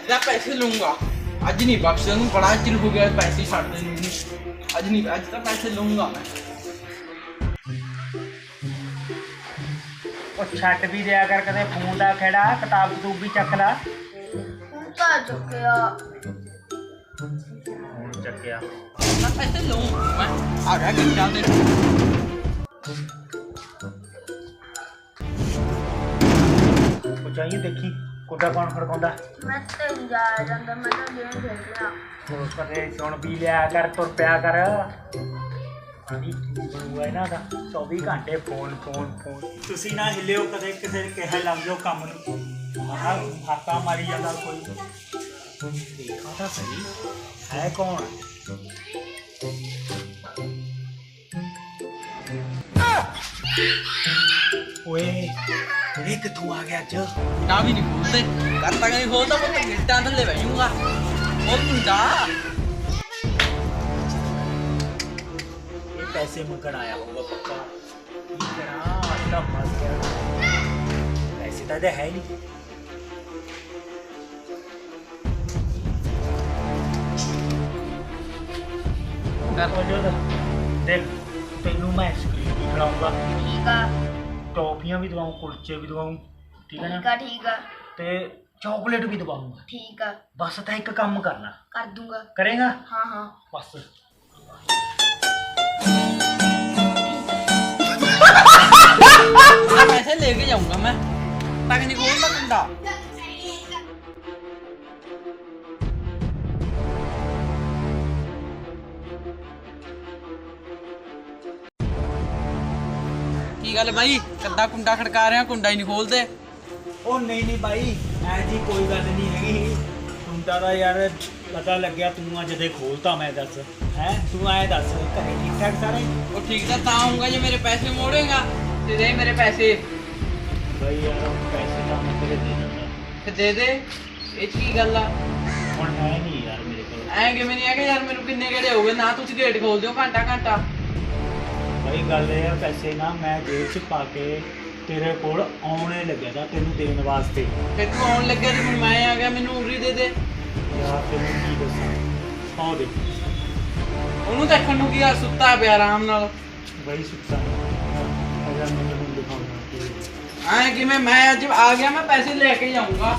ਦਾ ਪੈਸੇ ਲਊਂਗਾ। ਅੱਜ ਨਹੀਂ ਬਖਸ਼ਣ ਨੂੰ, ਬੜਾ ਚਿਰ ਹੋ ਗਿਆ ਪੈਸੇ ਛੱਡਦੇ ਨੂੰ। ਅੱਜ ਨਹੀਂ, ਅੱਜ ਤਾਂ ਪੈਸੇ ਲਊਂਗਾ ਮੈਂ। ਉਹ ਛੱਡ ਵੀ ਦਿਆ ਕਰ ਕਦੇ ਫੋਨ ਦਾ ਖੇੜਾ, ਕਿਤਾਬ ਕਤੂਬ ਵੀ ਚੱਕ ਲਾ। ਹੁਣ ਤਾਂ ਚੁੱਕਿਆ। ਹੁਣ ਚੱਕਿਆ ਤਾਂ ਪੈਸੇ ਲਊਂਗਾ ਮੈਂ। ਆ ਗਿਆ ਘੰਟਾ ਤੇ ਉਹ ਚਾਹੀਏ ਦੇਖੀ ਕੁੱਡਾ ਕੌਣ ਖੜਕਾਉਂਦਾ। ਮੈਂ ਤੇ ਜਾ ਜਾਂਦਾ, ਮੈਂ ਤਾਂ ਗੇਮ ਖੇਡਣਾ। ਹੋਰ ਕਦੇ ਸੁਣ ਵੀ ਲਿਆ ਕਰ, ਤੁਰ ਪਿਆ ਕਰ। ਹਾਂਜੀ ਬਣੂਗਾ ਇਹਨਾਂ ਦਾ 24 ਘੰਟੇ ਫੋਨ ਫੋਨ ਫੋਨ। ਤੁਸੀਂ ਨਾ ਹਿੱਲਿਓ ਕਦੇ, ਕਿਸੇ ਕਿਹਾ ਲੱਗ ਜਾਓ ਕੰਮ ਨੂੰ। ਆਹ ਹਾਕਾ ਮਾਰੀ ਜਾਂਦਾ ਕੋਈ। ਦੇਖਾਂ ਤਾਂ ਸਹੀ ਹੈ ਕੌਣ। ਓਏ ਇਹ ਕਿੱਥੋਂ ਆ ਗਿਆ ਅੱਜ। ਨਾ ਵੀ ਨਹੀਂ ਖੋਲਦੇ, ਕਰਤਾ ਨਹੀਂ ਖੋਲਦਾ, ਮੈਂ ਗਿੱਟਾਂ ਥੱਲੇ ਬਹਿ ਜਾਊਂਗਾ। ਉਹ ਮੁੰਡਾ ਇਹ ਪੈਸੇ ਮੰਗਣ ਆਇਆ ਹੋਊਗਾ ਪੱਕਾ। ਕੀ ਕਰਾਂ ਅੱਜ ਤਾਂ ਫਸ ਗਿਆ। ਪੈਸੇ ਤਾਂ ਇਹਦੇ ਹੈ ਹੀ ਨਹੀਂ। ਦੇਖ ਤੈਨੂੰ ਮੈਂ ਆਈਸਕ੍ਰੀਮ ਵੀ ਖਿਲਾਊਂਗਾ, ਠੀਕ ਆ ਟੌਫੀਆਂ ਵੀ ਦਵਾऊं, ਕੁਲਚੇ ਵੀ ਦਵਾऊं, ਠੀਕ ਹੈ ਨਾ, ਠੀਕ ਆ ਠੀਕ ਆ ਤੇ ਚਾਕਲੇਟ ਵੀ ਦਵਾऊंगा। ਠੀਕ ਆ, ਬਸ ਤਾਂ ਇੱਕ ਕੰਮ ਕਰਨਾ। ਕਰ ਦੂੰਗਾ। ਕਰੇਗਾ? ਹਾਂ ਹਾਂ ਬਸ ਪੈਸੇ ਲੈ ਕੇ ਜਾਊਂਗਾ ਮੈਂ। ਤੱਕ ਨਹੀਂ ਖੋਲਦਾ ਕੁੰਡਾ। ਕੀ ਗੱਲ ਬਾਈ, ਕੱਦਾ ਕੁੰਡਾ ਖੜਕਾ ਰਿਹਾ, ਕੁੰਡਾ ਹੀ ਨਹੀਂ ਖੋਲਦੇ। ਉਹ ਨਹੀਂ ਬਾਈ, ਐ ਜੀ ਕੋਈ ਗੱਲ ਨਹੀਂ ਹੈਗੀ। ਹੁੰਦਾ ਤਾਂ ਯਾਰ ਪਤਾ ਲੱਗਿਆ ਤੂੰ ਅੱਜ ਦੇ ਖੋਲਤਾ। ਮੈਂ ਦੱਸ ਹੈ, ਤੂੰ ਐ ਦੱਸ ਘਰੇ ਠੀਕ ਠਾਕ ਸਾਰੇ? ਉਹ ਠੀਕ ਤਾਂ ਆਉਂਗਾ ਜੇ ਮੇਰੇ ਪੈਸੇ ਮੋੜੇਗਾ ਤੇ ਦੇ ਮੇਰੇ ਪੈਸੇ। ਬਾਈ ਯਾਰ ਪੈਸੇ ਤਾਂ ਮੈਂ ਤੇਰੇ ਦੇ ਦਿੰਦਾ। ਤੇ ਦੇ ਦੇ, ਇਹ 'ਚ ਕੀ ਗੱਲ ਆ। ਹੁਣ ਹੈ ਨਹੀਂ ਯਾਰ ਮੇਰੇ ਕੋਲ। ਐਂ ਕਿਵੇਂ ਨਹੀਂ ਹੈਗਾ ਯਾਰ, ਮੈਨੂੰ ਕਿੰਨੇ ਗੇੜੇ ਹੋ ਗਏ ਨਾ, ਤੁਸੀਂ ਗੇਟ ਖੋਲ ਦਿਓ ਘੰਟਾ ਘੰਟਾ। ਬਾਈ ਗੱਲ ਇਹ ਆ, ਪੈਸੇ ਨਾ ਮੈਂ ਜੇਬ 'ਚ ਪਾ ਕੇ ਤੇਰੇ ਕੋਲ ਆਉਣੇ ਲੱਗਿਆ ਤਾਂ ਤੈਨੂੰ ਦੇਣ ਵਾਸਤੇ। ਫਿਰ ਤੂੰ ਆਉਣ ਲੱਗਿਆ ਤੇ ਹੁਣ ਮੈਂ ਆ ਗਿਆ, ਮੈਨੂੰ ਉਰੀ ਦੇ ਦੇ। ਯਾਰ ਤੈਨੂੰ ਕੀ ਦੱਸਾਂ, ਆਹ ਦੇ ਉਹਨੂੰ ਦੇਖਣ ਨੂੰ ਕੀ ਆ, ਸੁੱਤਾ ਪਿਆ ਆਰਾਮ ਨਾਲ। ਬਾਈ ਸੁੱਤਾ ਅਗਰ ਮੈਨੂੰ ਹੁਣ ਦਿਖਾਉਣਾ ਐਂ ਕਿਵੇਂ, ਮੈਂ ਅੱਜ ਆ ਗਿਆ, ਮੈਂ ਪੈਸੇ ਲੈ ਕੇ ਜਾਊਂਗਾ।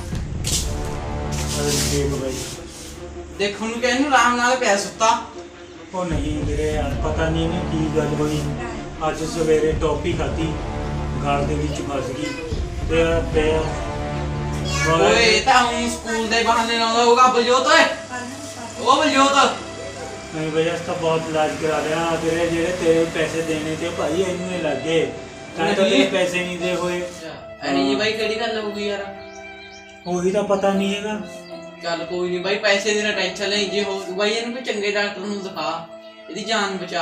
ਦੇਖ ਬਾਈ, ਦੇਖਣ ਨੂੰ ਕਿਹਨੂੰ ਆਰਾਮ ਨਾਲ ਪਿਆ ਸੁੱਤਾ। ਉਹ ਨਹੀਂ ਵੀਰੇ ਯਾਰ ਪਤਾ ਨਹੀਂ ਇਹਨੂੰ ਕੀ ਗੱਲ ਹੋਈ। ਅੱਜ ਸਵੇਰੇ ਟੌਫੀ ਖਾਧੀ, ਗਾਲ ਦੇ ਵਿੱਚ ਫਸ ਗਈ ਤੇ ਓਏ ਇਹ ਤਾਂ ਹੁਣ ਸਕੂਲ ਦੇ ਬਹਾਨੇ ਨਾਲ ਹੋਊਗਾ। ਬਲਜੋਤ ਓਏ, ਉਹ ਬਲਜੋਤ। ਨਹੀਂ ਬਈ ਅਸ ਤਾਂ ਬਹੁਤ ਇਲਾਜ ਕਰਾ ਲਿਆ ਤੇਰੇ। ਜਿਹੜੇ ਤੇਰੇ ਪੈਸੇ ਦੇਣੇ ਤੇ ਭਾਈ ਇਹਨੂੰ ਹੀ ਲੱਗੇ, ਤਾਂ ਤੇਰੇ ਪੈਸੇ ਨਹੀਂ ਦੇ ਹੋਏ। ਅਰੇ ਜੀ ਬਾਈ ਕਿਹੜੀ ਗੱਲ ਹੋਊਗੀ ਯਾਰ। ਉਹੀ ਤਾਂ ਪਤਾ ਨਹੀਂ ਹੈਗਾ। ਚੱਲ ਕੋਈ ਨਹੀਂ ਬਾਈ, ਪੈਸੇ ਦੀ ਨਾ ਟੈਨਸ਼ਨ ਲੈ। ਜੇ ਹੋ ਬਾਈ ਇਹਨੂੰ ਕੋਈ ਚੰਗੇ ਡਾਕਟਰ ਨੂੰ ਦਿਖਾ, ਇਹਦੀ ਜਾਨ ਬਚਾ।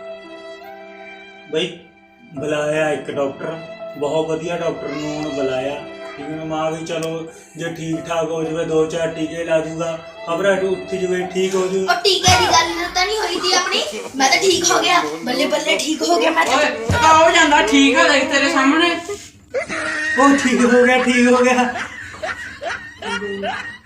ਬਈ ਬੁਲਾਇਆ ਇੱਕ ਡਾਕਟਰ, ਬਹੁਤ ਵਧੀਆ ਡਾਕਟਰ ਨੂੰ ਹੁਣ ਬੁਲਾਇਆ। ਠੀਕ ਹੈ, ਮਾਂ ਵੀ ਚਲੋ ਜੇ ਠੀਕ ਠਾਕ ਹੋ ਜਾਵੇ 2-4 ਟੀਕੇ ਲਾ ਦੂਗਾ, ਖਬਰ ਉੱਠ ਜਾਵੇ, ਠੀਕ ਹੋ ਜੂ। ਉਹ ਟੀਕੇ ਦੀ ਗੱਲ ਤਾਂ ਨਹੀਂ ਹੋਈ ਸੀ ਆਪਣੀ। ਮੈਂ ਤਾਂ ਠੀਕ ਹੋ ਗਿਆ, ਬੱਲੇ ਬੱਲੇ ਠੀਕ ਹੋ ਗਿਆ ਮੈਂ ਤਾਂ। ਓਏ ਤਾਂ ਹੋ ਜਾਂਦਾ, ਠੀਕ ਆ ਦੇਖ ਤੇਰੇ ਸਾਹਮਣੇ। ਉਹ ਠੀਕ ਹੋ ਗਿਆ, ਠੀਕ ਹੋ ਗਿਆ।